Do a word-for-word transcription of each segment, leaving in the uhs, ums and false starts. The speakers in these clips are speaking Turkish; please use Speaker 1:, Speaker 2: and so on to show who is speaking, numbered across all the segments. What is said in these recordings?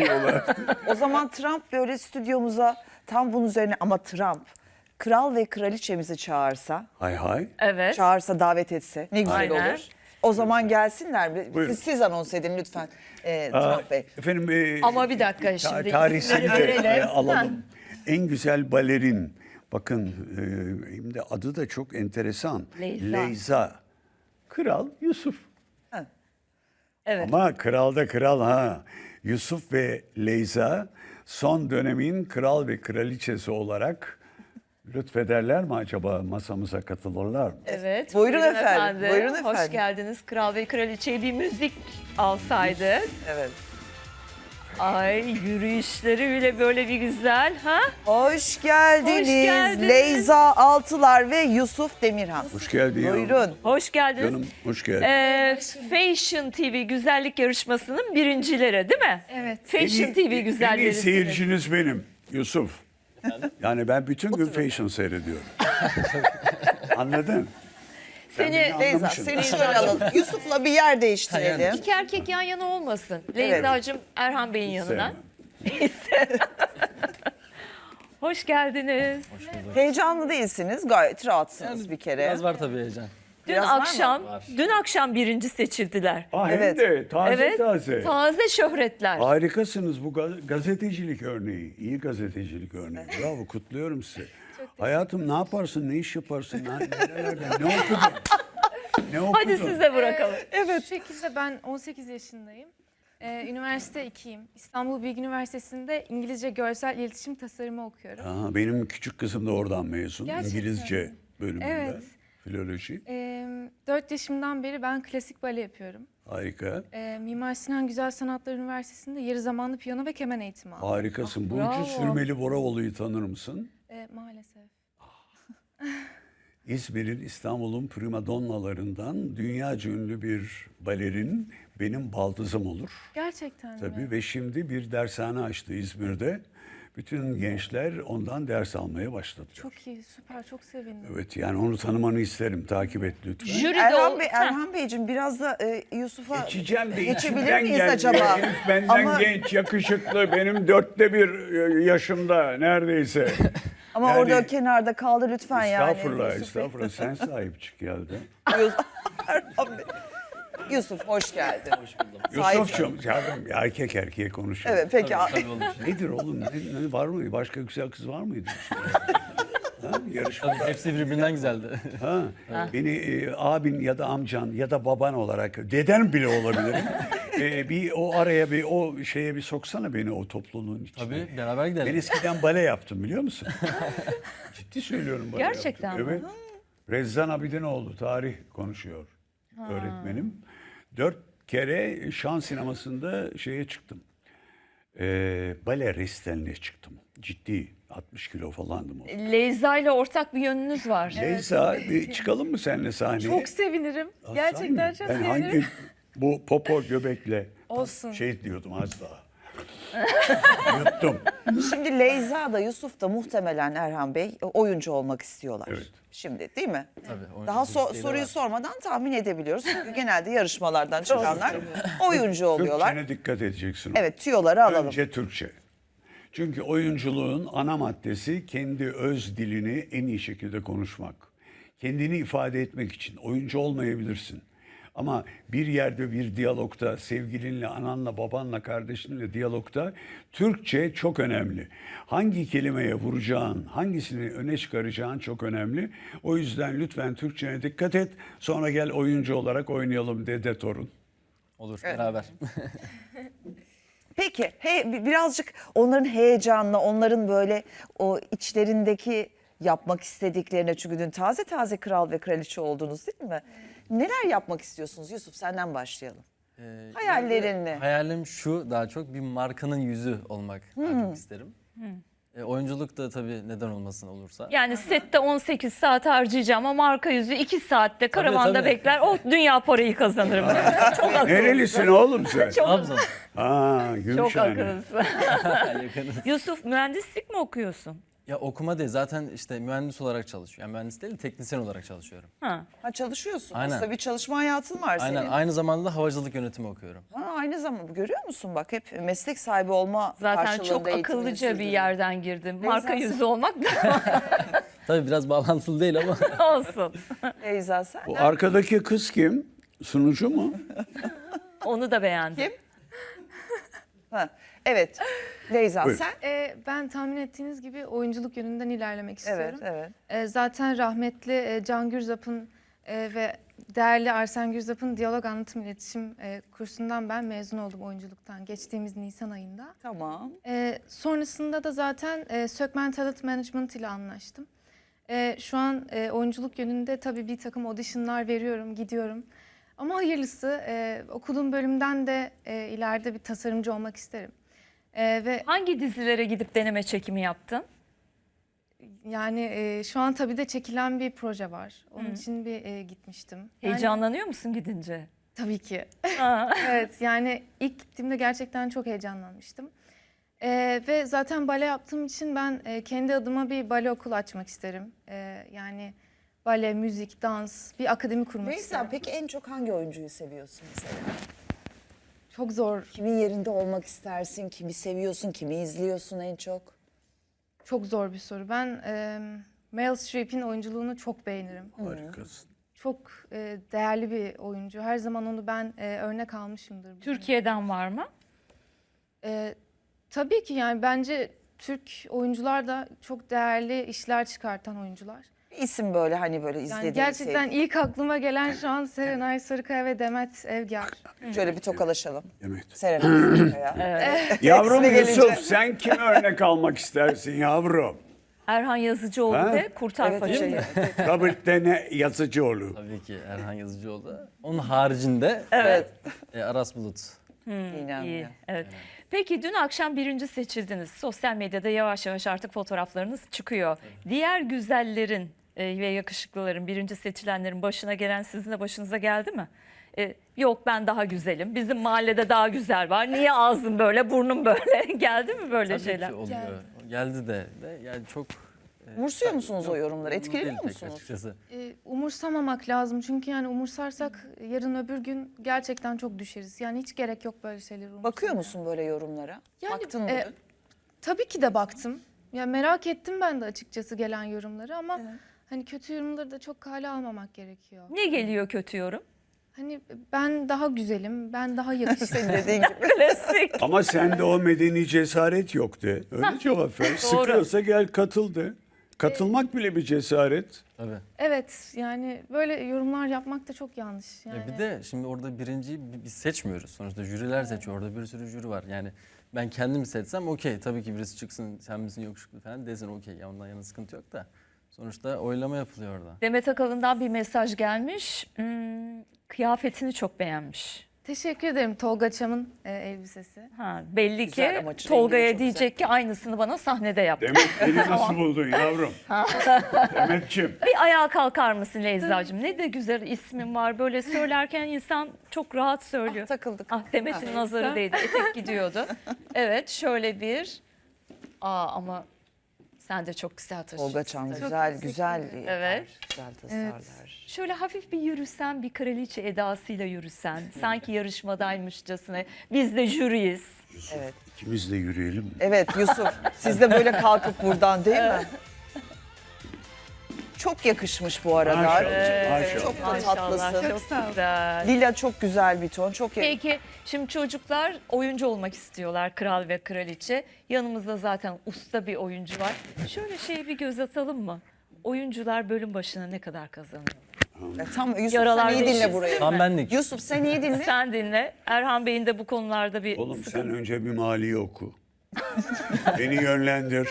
Speaker 1: diyorlar.
Speaker 2: O zaman Trump böyle stüdyomuza tam bunun üzerine ama Trump kral ve kraliçemizi çağırsa,
Speaker 1: Hay hay.
Speaker 3: Evet.
Speaker 2: çağırsa davet etse ne güzel
Speaker 3: Aynen.
Speaker 2: olur. O zaman gelsinler mi?
Speaker 1: Buyurun.
Speaker 2: Siz, siz anons edin lütfen e,
Speaker 1: Aa,
Speaker 2: Trump Bey.
Speaker 1: efendim e,
Speaker 3: Ama bir dakika
Speaker 1: ta-
Speaker 3: şimdi
Speaker 1: tarihsini
Speaker 3: isimleri
Speaker 1: de
Speaker 3: verelim.
Speaker 1: e, alalım. En güzel balerin. Bakın e, hem de adı da çok enteresan.
Speaker 3: Leyza.
Speaker 1: Leyza. Kral Yusuf.
Speaker 3: Evet.
Speaker 1: Ama kral da kral ha. Yusuf ve Leyza son dönemin kral ve kraliçesi olarak lütfederler mi acaba, masamıza katılırlar mı?
Speaker 3: Evet.
Speaker 2: Buyurun efendim, buyurun efendim.
Speaker 3: Hoş geldiniz. Kral ve Kraliçe'ye bir müzik alsaydık.
Speaker 2: Evet.
Speaker 3: Ay yürüyüşleri bile böyle bir güzel ha?
Speaker 2: Hoş geldiniz,
Speaker 3: Hoş geldiniz.
Speaker 2: Leyza Altılar ve Yusuf Demirhan.
Speaker 1: Hoş geldin ya.
Speaker 2: Buyurun.
Speaker 3: Hoş geldiniz.
Speaker 1: Canım hoş geldin.
Speaker 3: Ee, Fashion T V güzellik yarışmasının birincileri değil mi?
Speaker 4: Evet.
Speaker 3: Fashion T V
Speaker 1: En iyi
Speaker 3: güzelleri.
Speaker 1: seyirciniz benim Yusuf. Yani ben bütün gün fashion seyrediyorum. Anladın?
Speaker 3: Seni
Speaker 1: beni
Speaker 2: Leyza
Speaker 1: anlamışsın.
Speaker 2: seni şöyle alalım. Yusuf'la bir yer değiştirelim.
Speaker 3: iki erkek yan yana olmasın. Leyza'cığım Erhan Bey'in yanına.
Speaker 1: Sevmem.
Speaker 3: Hoş geldiniz.
Speaker 2: Heyecanlı değilsiniz. Gayet rahatsınız bir kere.
Speaker 5: Biraz var tabii heyecan.
Speaker 3: Dün
Speaker 2: Biraz var mı?
Speaker 3: akşam, dün akşam birinci seçildiler.
Speaker 1: Ah,
Speaker 2: Evet.
Speaker 1: hem de taze
Speaker 3: Evet.
Speaker 1: taze.
Speaker 3: Taze şöhretler.
Speaker 1: Harikasınız, bu gaz- gazetecilik örneği. İyi gazetecilik örneği. Bravo, kutluyorum sizi. Hayatım ne yaparsın, ne iş yaparsın, ne, nerelerde, ne okudun? Ne okudun?
Speaker 3: Hadi size bırakalım.
Speaker 4: Evet. Bu şekilde ben on sekiz yaşındayım. Ee, üniversite ikiyim. İstanbul Bilgi Üniversitesi'nde İngilizce Görsel İletişim Tasarımı okuyorum.
Speaker 1: Aa, benim küçük kızım da oradan mezun.
Speaker 4: Gerçekten
Speaker 1: İngilizce
Speaker 4: mi?
Speaker 1: bölümünde.
Speaker 4: Evet.
Speaker 1: Filoloji.
Speaker 4: Ee, dört yaşımdan beri ben klasik bale yapıyorum.
Speaker 1: Harika.
Speaker 4: Ee, Mimar Sinan Güzel Sanatlar Üniversitesi'nde yarı zamanlı piyano ve keman eğitimi aldım.
Speaker 1: Harikasın. Burcu
Speaker 3: bravo.
Speaker 1: Sürmeli Boraoğlu'yu tanır mısın?
Speaker 4: Ee, maalesef.
Speaker 1: İzmir'in, İstanbul'un primadonnalarından dünyaca ünlü bir balerin, benim baldızım olur.
Speaker 4: Gerçekten
Speaker 1: Tabii
Speaker 4: mi?
Speaker 1: ve şimdi bir dershane açtı İzmir'de. Bütün gençler ondan ders almaya başladı.
Speaker 4: Çok iyi, süper, çok sevindim.
Speaker 1: Evet, yani onu tanımanı isterim. Takip et lütfen.
Speaker 3: Jüride
Speaker 2: Erhan,
Speaker 3: ol-
Speaker 2: Bey,
Speaker 3: Heh.
Speaker 2: Erhan Beyciğim biraz da e, Yusuf'a
Speaker 1: Geçeceğim de
Speaker 2: geçebilir
Speaker 1: içimden
Speaker 2: miyiz
Speaker 1: geldi.
Speaker 2: acaba?
Speaker 1: Herif benden
Speaker 2: Ama-
Speaker 1: genç, yakışıklı. Benim dörtte bir e, yaşımda neredeyse.
Speaker 2: Ama
Speaker 1: Yani-
Speaker 2: orada kenarda kaldı lütfen yani.
Speaker 1: Estağfurullah,
Speaker 2: Yusuf Bey.
Speaker 1: estağfurullah. Sen sahip çık geldi.
Speaker 2: Yusuf, Erhan Bey. Yusuf hoş geldin. Hoş buldum.
Speaker 1: Yusuf'cum, canım, erkek erkeğe konuşuyor.
Speaker 2: Evet peki.
Speaker 5: Tabii olur.
Speaker 1: Nedir oğlum? Ne, ne var mı? Başka güzel kız var mıydı? Ha, yarışma.
Speaker 5: Tabii hepsi birbirinden güzeldi.
Speaker 1: Ha, beni e, abin ya da amcan ya da baban olarak, deden bile olabilirim. E, bir o araya bir o şeye bir soksana beni o topluluğun içine.
Speaker 5: Tabii beraber gidelim.
Speaker 1: Ben eskiden bale yaptım biliyor musun? Ciddi söylüyorum bale
Speaker 3: Gerçekten
Speaker 1: yaptım.
Speaker 3: mi?
Speaker 1: Evet. Rezzan Abidinoğlu tarih konuşuyor öğretmenim. Dört kere şan sinemasında şeye çıktım. E, bale restaline çıktım. Ciddi altmış kilo falandım o.
Speaker 3: Leyza ile ortak bir yönünüz var.
Speaker 1: Leysa bir çıkalım mı seninle sahneye?
Speaker 4: Çok sevinirim.
Speaker 1: Aa,
Speaker 4: Gerçekten
Speaker 1: sahi
Speaker 4: çok
Speaker 1: mi? Ben
Speaker 4: sevinirim.
Speaker 1: hangi bu popo göbekle
Speaker 4: Olsun.
Speaker 1: şey diyordum az daha. Yuttum.
Speaker 2: Şimdi Leyza da Yusuf da muhtemelen Erhan Bey oyuncu olmak istiyorlar.
Speaker 1: Evet.
Speaker 2: Şimdi değil mi?
Speaker 5: Tabii, oyuncu
Speaker 2: Daha so-
Speaker 5: isteği de
Speaker 2: soruyu
Speaker 5: var.
Speaker 2: sormadan tahmin edebiliyoruz. Çünkü genelde yarışmalardan çıkanlar oyuncu oluyorlar.
Speaker 1: Türkçene dikkat edeceksin.
Speaker 2: Evet tüyoları alalım.
Speaker 1: Önce Türkçe. Çünkü oyunculuğun ana maddesi kendi öz dilini en iyi şekilde konuşmak. Kendini ifade etmek için oyuncu olmayabilirsin. Ama bir yerde bir diyalogta, sevgilinle, ananla, babanla, kardeşinle diyalogta Türkçe çok önemli. Hangi kelimeye vuracağın, hangisini öne çıkaracağın çok önemli. O yüzden lütfen Türkçene dikkat et. Sonra gel oyuncu olarak oynayalım dede torun.
Speaker 5: Olur beraber.
Speaker 2: Peki he, bi- birazcık onların heyecanla, onların böyle o içlerindeki yapmak istediklerine, çünkü dün taze taze kral ve kraliçe oldunuz değil mi? Neler yapmak istiyorsunuz Yusuf, senden başlayalım.
Speaker 5: Ee,
Speaker 2: Hayallerin ne?
Speaker 5: Hayalim şu, daha çok bir markanın yüzü olmak daha çok isterim. E, oyunculuk da tabii neden olmasın olursa.
Speaker 3: Yani sette on sekiz saat harcayacağım ama marka yüzü iki saatte karavanda
Speaker 5: tabii.
Speaker 3: bekler. O dünya parayı kazanırım. Çok akıllısın.
Speaker 1: Nerelisin oğlum sen?
Speaker 3: Çok,
Speaker 1: Ha,
Speaker 3: çok
Speaker 1: Gümüşhane.
Speaker 3: akıllısın.
Speaker 5: Yakınız.
Speaker 3: Yusuf mühendislik mi okuyorsun?
Speaker 5: Ya okuma değil, zaten işte mühendis olarak çalışıyorum. Yani mühendis değil de teknisyen olarak çalışıyorum.
Speaker 3: Ha.
Speaker 2: Ha çalışıyorsun.
Speaker 5: Aynen.
Speaker 2: Aslında bir çalışma hayatın var
Speaker 5: Aynen,
Speaker 2: senin.
Speaker 5: aynı zamanda da havacılık yönetimi okuyorum.
Speaker 2: Ha, aynı zamanda görüyor musun bak hep meslek sahibi olma
Speaker 3: Zaten
Speaker 2: karşılığında
Speaker 3: çok
Speaker 2: eğitimini
Speaker 3: akıllıca bir
Speaker 2: sürdürüyor.
Speaker 3: yerden girdim. Marka
Speaker 2: sen-
Speaker 3: yüzü olmak da
Speaker 5: Tabii biraz bağlantılı değil ama
Speaker 3: olsun.
Speaker 2: Beyza sen?
Speaker 1: Bu arkadaki kız kim? Sunucu mu?
Speaker 3: Onu da beğendim.
Speaker 2: Kim? Ha, evet. Beyza
Speaker 1: Buyur.
Speaker 2: sen?
Speaker 4: Ee, ben tahmin ettiğiniz gibi oyunculuk yönünden ilerlemek
Speaker 2: Evet,
Speaker 4: istiyorum.
Speaker 2: evet.
Speaker 4: Ee, zaten rahmetli e, Can Gürzap'ın e, ve değerli Arsen Gürzap'ın diyalog anlatım iletişim e, kursundan ben mezun oldum oyunculuktan geçtiğimiz Nisan ayında.
Speaker 2: Tamam.
Speaker 4: E, sonrasında da zaten e, Sökmen Talent Management ile anlaştım. E, şu an e, oyunculuk yönünde tabii bir takım auditionlar veriyorum, gidiyorum. Ama hayırlısı e, okuduğum bölümden de e, ileride bir tasarımcı olmak isterim. E, ve
Speaker 3: Hangi dizilere gidip deneme çekimi yaptın?
Speaker 4: yani e, şu an tabii de çekilen bir proje var. Onun için bir e, gitmiştim. Yani,
Speaker 3: Heyecanlanıyor musun gidince?
Speaker 4: tabii ki.
Speaker 3: Ha.
Speaker 4: Evet yani ilk gittiğimde gerçekten çok heyecanlanmıştım. Ee, ve zaten bale yaptığım için ben e, kendi adıma bir bale okulu açmak isterim. Ee, yani bale, müzik, dans, bir akademi kurmak
Speaker 2: Beyza
Speaker 4: isterim.
Speaker 2: peki en çok hangi oyuncuyu seviyorsun mesela?
Speaker 4: Çok zor,
Speaker 2: Kimin yerinde olmak istersin? Kimi seviyorsun? Kimi izliyorsun en çok?
Speaker 4: çok zor bir soru. Ben e, Meryl Streep'in oyunculuğunu çok beğenirim.
Speaker 1: Harikasın.
Speaker 4: Çok e, değerli bir oyuncu. Her zaman onu ben e, örnek almışımdır.
Speaker 3: Türkiye'den var mı?
Speaker 4: E, tabii ki yani bence Türk oyuncular da çok değerli işler çıkartan oyuncular.
Speaker 2: Bir isim böyle hani böyle
Speaker 4: Yani
Speaker 2: izlediğin,
Speaker 4: gerçekten ilk aklıma gelen şu an Serenay Sarıkaya ve Demet Evgar.
Speaker 2: sevdiğin. Şöyle bir tokalaşalım.
Speaker 1: Evet.
Speaker 2: Serenay Sarıkaya.
Speaker 1: Yavrum
Speaker 2: İsmi
Speaker 1: Yusuf
Speaker 2: gelince.
Speaker 1: sen kimi örnek almak istersin yavrum?
Speaker 3: Erhan Yazıcıoğlu
Speaker 1: Ha?
Speaker 3: ve Kurtar
Speaker 2: Evet,
Speaker 3: Paça'yı.
Speaker 1: Robert Dene Yazıcıoğlu.
Speaker 5: tabii ki Erhan Yazıcıoğlu. Onun haricinde
Speaker 2: Evet.
Speaker 5: e, Aras Bulut.
Speaker 2: İnan
Speaker 3: İyi,
Speaker 2: ya.
Speaker 3: evet. Peki dün akşam birinci seçildiniz. Sosyal medyada yavaş yavaş artık fotoğraflarınız çıkıyor. Diğer güzellerin e, ve yakışıklıların, birinci seçilenlerin başına gelen sizin de başınıza geldi mi? E, yok ben daha güzelim. Bizim mahallede daha güzel var. Niye ağzım böyle, burnum böyle? Geldi mi böyle
Speaker 5: Tabii
Speaker 3: şeyler?
Speaker 5: ki oluyor. Geldi de, de yani çok e,
Speaker 2: Umursuyor musunuz o yorumları?
Speaker 5: umurumda
Speaker 2: Etkileniyor
Speaker 5: değil pek
Speaker 2: musunuz?
Speaker 5: açıkçası.
Speaker 4: Ee, umursamamak lazım çünkü yani umursarsak yarın öbür gün gerçekten çok düşeriz. Yani hiç gerek yok böyle şeyleri umursamaya.
Speaker 2: Bakıyor musun böyle yorumlara?
Speaker 4: Yani,
Speaker 2: Baktın mı?
Speaker 4: e, Tabii ki de baktım. Ya merak ettim ben de açıkçası gelen yorumları ama hani kötü yorumları da çok kale almamak gerekiyor.
Speaker 3: Ne geliyor kötü yorum?
Speaker 4: Hani ben daha güzelim, ben daha yakışıklıyım.
Speaker 2: Dediğin gibi.
Speaker 3: Klasik.
Speaker 1: Ama sende o medeni cesaret yok de. Öyle cevap ver. Sıkıyorsa gel katıl de. Katılmak bile bir cesaret.
Speaker 5: Tabii.
Speaker 4: Evet yani böyle yorumlar yapmak da çok yanlış. Yani.
Speaker 5: Ya bir de şimdi orada birinciyi bi- biz seçmiyoruz. Sonuçta jüriler seçiyor. Orada bir sürü jüri var. Yani ben kendim seçsem okey. Tabii ki birisi çıksın sen misin yakışıklı falan desin okey. Ya ondan yana sıkıntı yok da. Sonuçta oylama yapılıyor orada.
Speaker 3: Demet Akalın'dan bir mesaj gelmiş. Hmm, kıyafetini çok beğenmiş.
Speaker 4: Teşekkür ederim Tolga Çam'ın e, elbisesi.
Speaker 3: Ha, belli
Speaker 2: Güzel
Speaker 3: ki
Speaker 2: ama rengi
Speaker 3: Tolga'ya
Speaker 2: çok
Speaker 3: diyecek ki aynısını bana sahnede yap.
Speaker 1: Demet beni nasıl buldun yavrum? Demetciğim.
Speaker 3: Bir ayağa kalkar mısın Leyza'cığım? Ne de güzel ismin var. Böyle söylerken insan çok rahat söylüyor.
Speaker 2: Takıldık.
Speaker 3: Ah Demet'in nazarı değdi. Etek gidiyordu. Evet şöyle bir. Aa ama sen de çok güzel taşıyorsun.
Speaker 2: Tolga Çam
Speaker 3: tabii.
Speaker 2: güzel güzel.
Speaker 3: Evet.
Speaker 2: Güzel tasarlar.
Speaker 3: Şöyle hafif bir yürüsen, bir kraliçe edasıyla yürüsen. Sanki yarışmadaymışçasına. Biz de jüriyiz.
Speaker 2: Evet.
Speaker 1: İkimiz de yürüyelim mi?
Speaker 2: Evet Yusuf siz de böyle kalkıp buradan değil mi? Çok yakışmış bu arada.
Speaker 1: Maşallah, maşallah.
Speaker 2: Çok da
Speaker 3: Maşallah
Speaker 2: tatlısın.
Speaker 3: çok güzel.
Speaker 2: Lila çok güzel bir ton. Çok yakışmış.
Speaker 3: Peki şimdi çocuklar oyuncu olmak istiyorlar, kral ve kraliçe. Yanımızda zaten usta bir oyuncu var. Şöyle şeye bir göz atalım mı? Oyuncular bölüm başına ne kadar kazanıyor?
Speaker 2: Ya Tam Yusuf
Speaker 3: Yaralar
Speaker 2: sen iyi dinle
Speaker 3: değişsin.
Speaker 2: burayı.
Speaker 5: Tam benlik.
Speaker 2: Yusuf sen iyi dinle.
Speaker 3: Sen dinle. Erhan Bey'in de bu konularda bir
Speaker 1: Oğlum
Speaker 3: sıkıntı.
Speaker 1: sen önce bir mali oku. Beni yönlendir.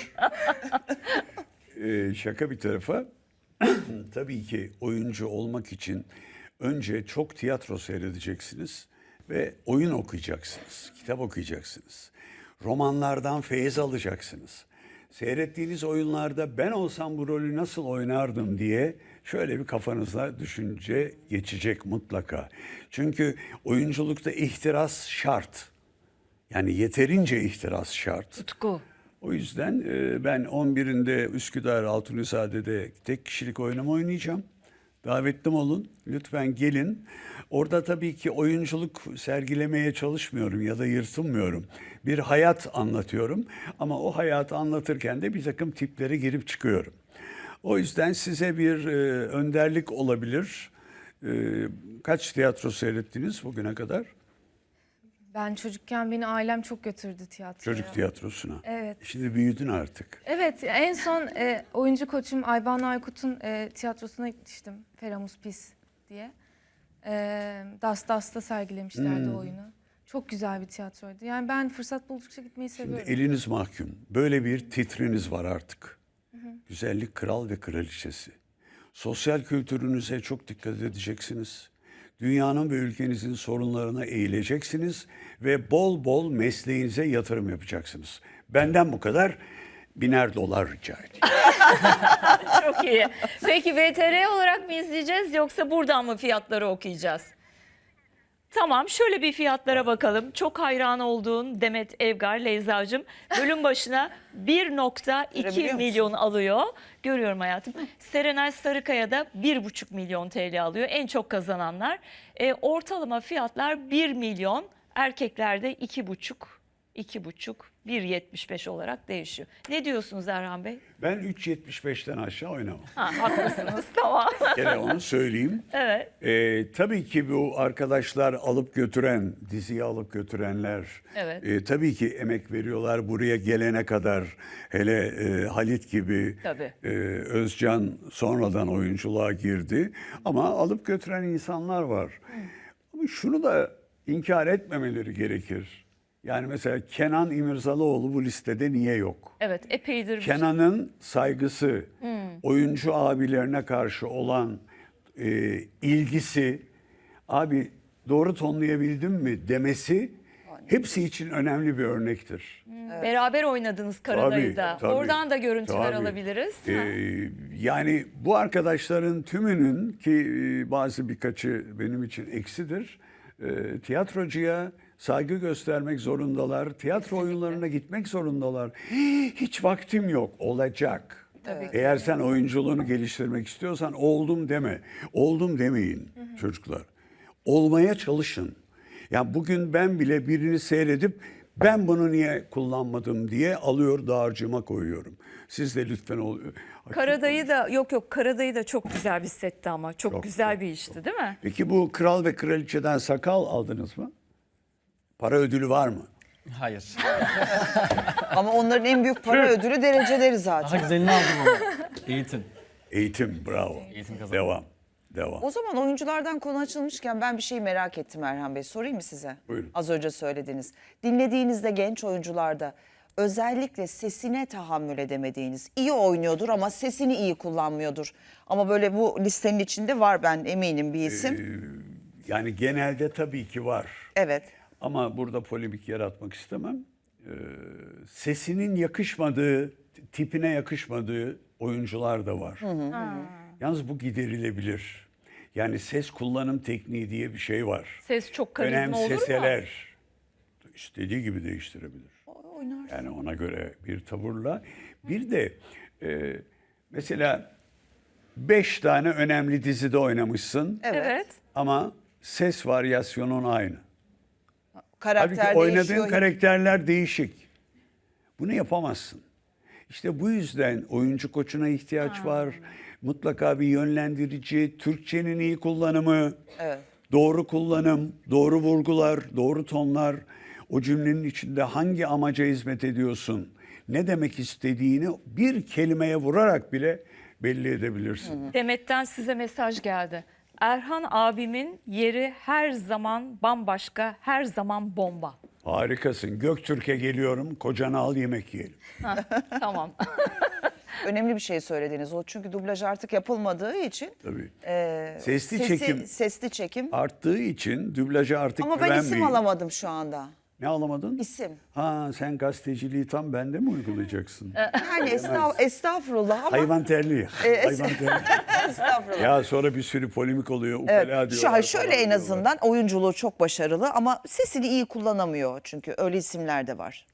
Speaker 1: Ee, şaka bir tarafa. Tabii ki oyuncu olmak için önce çok tiyatro seyredeceksiniz ve oyun okuyacaksınız, kitap okuyacaksınız. Romanlardan feyiz alacaksınız. Seyrettiğiniz oyunlarda ben olsam bu rolü nasıl oynardım diye şöyle bir kafanızda düşünce geçecek mutlaka. Çünkü oyunculukta ihtiras şart. Yani yeterince ihtiras şart.
Speaker 3: Tutku.
Speaker 1: O yüzden e, ben on birinde Üsküdar Altunizade'de tek kişilik oynama oynayacağım. Davetlim olun. Lütfen gelin. Orada tabii ki oyunculuk sergilemeye çalışmıyorum ya da yırtınmıyorum. Bir hayat anlatıyorum. Ama o hayatı anlatırken de bir takım tiplere girip çıkıyorum. O yüzden size bir e, önderlik olabilir. E, kaç tiyatro seyrettiniz bugüne kadar?
Speaker 4: Ben çocukken beni ailem çok götürdü tiyatroya.
Speaker 1: Çocuk tiyatrosuna.
Speaker 4: Evet.
Speaker 1: Şimdi büyüdün artık.
Speaker 4: Evet, en son e, oyuncu koçum Ayban Aykut'un e, tiyatrosuna gitmiştim. Feramus Pis diye. E, Das Das'ta sergilemişlerdi
Speaker 1: Hmm.
Speaker 4: oyunu. Çok güzel bir tiyatroydu. Yani ben fırsat buldukça gitmeyi
Speaker 1: Şimdi
Speaker 4: seviyorum.
Speaker 1: eliniz mahkum. Böyle bir titriniz var artık. Güzellik kral ve kraliçesi. Sosyal kültürünüze çok dikkat edeceksiniz. Dünyanın ve ülkenizin sorunlarına eğileceksiniz ve bol bol mesleğinize yatırım yapacaksınız. Benden bu kadar. Biner dolar rica edeyim.
Speaker 3: Çok iyi. Peki V T R olarak mı izleyeceğiz yoksa buradan mı fiyatları okuyacağız? Tamam, şöyle bir fiyatlara bakalım. Çok hayran olduğun Demet Evgar Leyzacığım bölüm başına bir nokta iki
Speaker 2: Görebiliyor musun?
Speaker 3: milyon alıyor. Görüyorum hayatım. Serenay Sarıkaya da bir buçuk milyon T L alıyor. En çok kazananlar. E, ortalama fiyatlar bir milyon. Erkeklerde iki buçuk, iki buçuk, bir yetmiş beş olarak değişiyor. Ne diyorsunuz Erhan Bey?
Speaker 1: Ben üç yetmiş beşten aşağı oynamam.
Speaker 3: Ha, haklısınız, tamam.
Speaker 1: Gene onu söyleyeyim.
Speaker 3: Evet.
Speaker 1: Ee, tabii ki bu arkadaşlar alıp götüren, diziyi alıp götürenler
Speaker 3: Evet.
Speaker 1: e, tabii ki emek veriyorlar buraya gelene kadar. Hele e, Halit gibi,
Speaker 3: Tabii.
Speaker 1: e, Özcan sonradan oyunculuğa girdi. Ama alıp götüren insanlar var. Ama şunu da inkar etmemeleri gerekir. Yani mesela Kenan İmirzalıoğlu bu listede niye yok?
Speaker 3: Evet, epeydir. bir-
Speaker 1: Kenan'ın saygısı, oyuncu abilerine karşı olan e, ilgisi, abi doğru tonlayabildim mi demesi hepsi için önemli bir örnektir.
Speaker 3: Beraber oynadınız Karadayı'da.
Speaker 1: Tabii, tabii,
Speaker 3: Oradan da görüntüler
Speaker 1: tabii.
Speaker 3: alabiliriz.
Speaker 1: Ee, yani bu arkadaşların tümünün ki e, bazı birkaçı benim için eksidir. E, tiyatrocuya saygı göstermek zorundalar. Tiyatro oyunlarına gitmek zorundalar. Hiç vaktim yok. Olacak.
Speaker 3: Tabii ki.
Speaker 1: Eğer sen oyunculuğunu geliştirmek istiyorsan oldum deme. Oldum demeyin çocuklar. Olmaya çalışın. Ya bugün ben bile birini seyredip ben bunu niye kullanmadım diye alıyor dağarcığıma koyuyorum. Siz de lütfen ol.
Speaker 3: Karadayı da yok yok Karadayı da çok güzel bir setti ama çok,
Speaker 1: Çok,
Speaker 3: güzel
Speaker 1: çok,
Speaker 3: bir işti değil mi?
Speaker 1: Peki bu kral ve kraliçeden sakal aldınız mı? Para ödülü var mı?
Speaker 5: Hayır.
Speaker 2: Ama onların en büyük para ödülü dereceleri zaten.
Speaker 5: Daha güzelini aldım ama. Eğitim.
Speaker 1: Eğitim, bravo.
Speaker 5: Eğitim kazandım.
Speaker 1: Devam, devam.
Speaker 2: O zaman oyunculardan konu açılmışken ben bir şey merak ettim Erhan Bey. Sorayım mı size?
Speaker 1: Buyurun.
Speaker 2: Az önce söylediniz. Dinlediğinizde genç oyuncularda özellikle sesine tahammül edemediğiniz, iyi oynuyordur ama sesini iyi kullanmıyordur. Ama böyle bu listenin içinde var, ben eminim bir isim.
Speaker 1: Yani genelde tabii ki var.
Speaker 2: Evet.
Speaker 1: Ama burada polemik yaratmak istemem. Ee, sesinin yakışmadığı, tipine yakışmadığı oyuncular da var. Yalnız bu giderilebilir. Yani ses kullanım tekniği diye bir şey var.
Speaker 3: Ses çok karizma olur mu?
Speaker 1: Önemseseler istediği gibi değiştirebilir.
Speaker 2: Oynar.
Speaker 1: Yani ona göre bir tavırla. Bir de e, mesela beş tane önemli dizide oynamışsın
Speaker 2: Evet.
Speaker 3: Evet.
Speaker 1: ama ses varyasyonun aynı.
Speaker 2: Karakter
Speaker 1: Halbuki oynadığın
Speaker 2: değişiyor.
Speaker 1: karakterler değişik. Bunu yapamazsın. İşte bu yüzden oyuncu koçuna ihtiyaç var. Mutlaka bir yönlendirici, Türkçenin iyi kullanımı,
Speaker 2: Evet.
Speaker 1: doğru kullanım, doğru vurgular, doğru tonlar. O cümlenin içinde hangi amaca hizmet ediyorsun, ne demek istediğini bir kelimeye vurarak bile belli edebilirsin.
Speaker 3: Demet'ten size mesaj geldi. Erhan abimin yeri her zaman bambaşka, her zaman bomba.
Speaker 1: Harikasın. Göktürk'e geliyorum, kocanı al yemek yiyelim.
Speaker 3: Tamam.
Speaker 2: Önemli bir şey söylediniz. O çünkü dublaj artık yapılmadığı için.
Speaker 1: Tabii.
Speaker 2: e,
Speaker 1: Sesli
Speaker 2: sesi-
Speaker 1: çekim
Speaker 2: Sesli çekim.
Speaker 1: arttığı için dublaja artık
Speaker 2: Ama ben isim
Speaker 1: güvenmeyin.
Speaker 2: alamadım şu anda.
Speaker 1: Ne alamadın?
Speaker 2: İsim.
Speaker 1: Ha sen gazeteciliği tam bende mi uygulayacaksın?
Speaker 2: Yani estağ, estağfurullah ama
Speaker 1: Hayvan terliği. Hayvan terliği.
Speaker 2: estağfurullah.
Speaker 1: Ya sonra bir sürü polemik oluyor. Ukala
Speaker 2: Evet,
Speaker 1: diyorlar.
Speaker 2: şu, şöyle
Speaker 1: falan
Speaker 2: en
Speaker 1: diyorlar.
Speaker 2: azından oyunculuğu çok başarılı ama sesini iyi kullanamıyor çünkü öyle isimler de var.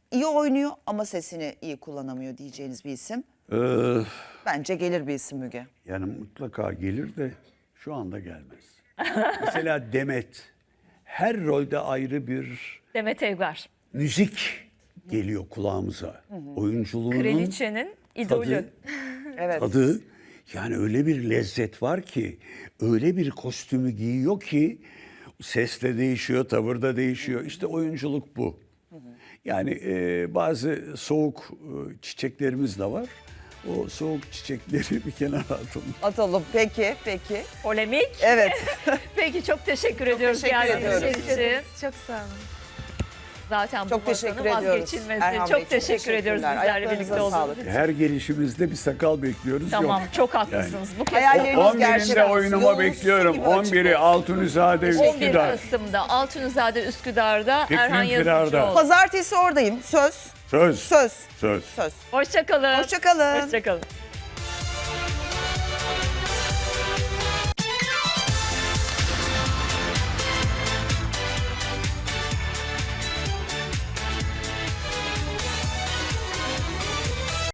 Speaker 2: iyi oynuyor ama sesini iyi kullanamıyor diyeceğiniz bir isim.
Speaker 1: Ee,
Speaker 2: Bence gelir bir isim Müge.
Speaker 1: yani mutlaka gelir de şu anda gelmez. Mesela Demet her rolde ayrı bir
Speaker 3: Demet Evgar.
Speaker 1: müzik geliyor kulağımıza. Oyunculuğunun
Speaker 3: Kraliçenin idolü.
Speaker 1: tadı,
Speaker 2: Evet.
Speaker 1: tadı yani öyle bir lezzet var ki öyle bir kostümü giyiyor ki ses de değişiyor, tavır da değişiyor. İşte oyunculuk bu. Yani e, bazı soğuk e, çiçeklerimiz de var. O soğuk çiçekleri bir kenara atalım.
Speaker 2: Atalım. Peki, peki.
Speaker 3: Polemik.
Speaker 2: Evet.
Speaker 3: Peki çok teşekkür ediyoruz
Speaker 2: teşekkür
Speaker 3: geldiğiniz
Speaker 2: ediyoruz.
Speaker 3: için.
Speaker 4: Çok sağ olun.
Speaker 3: Zaten
Speaker 2: Çok
Speaker 3: bu masanın
Speaker 2: teşekkür ediyoruz.
Speaker 3: vazgeçilmezi.
Speaker 2: Erhan Bey,
Speaker 3: Çok teşekkür ediyoruz
Speaker 2: teşekkürler.
Speaker 3: bizlerle
Speaker 2: Ayaklarınıza
Speaker 3: birlikte olduğunuz
Speaker 2: sağlık.
Speaker 3: için.
Speaker 1: Her gelişimizde bir sakal bekliyoruz.
Speaker 3: Tamam,
Speaker 1: Yok.
Speaker 3: çok haklısınız. Bu kez
Speaker 2: Hayalleriniz
Speaker 1: on birinde
Speaker 2: gerçekten
Speaker 1: oyunuma
Speaker 2: yolunuz
Speaker 1: bekliyorum.
Speaker 2: gibi açık
Speaker 1: on biri
Speaker 2: olsun.
Speaker 1: Altunizade
Speaker 3: on bir
Speaker 1: Üsküdar.
Speaker 3: Kasım'da Altunizade Üsküdar'da
Speaker 1: Fikrim
Speaker 3: Erhan
Speaker 1: Firar'da.
Speaker 3: Yazıcıoğlu.
Speaker 2: Pazartesi oradayım. Söz.
Speaker 1: Söz.
Speaker 2: Söz.
Speaker 1: Söz.
Speaker 2: Söz.
Speaker 3: Hoşça kalın.
Speaker 2: Hoşça kalın.
Speaker 3: Hoşça kalın.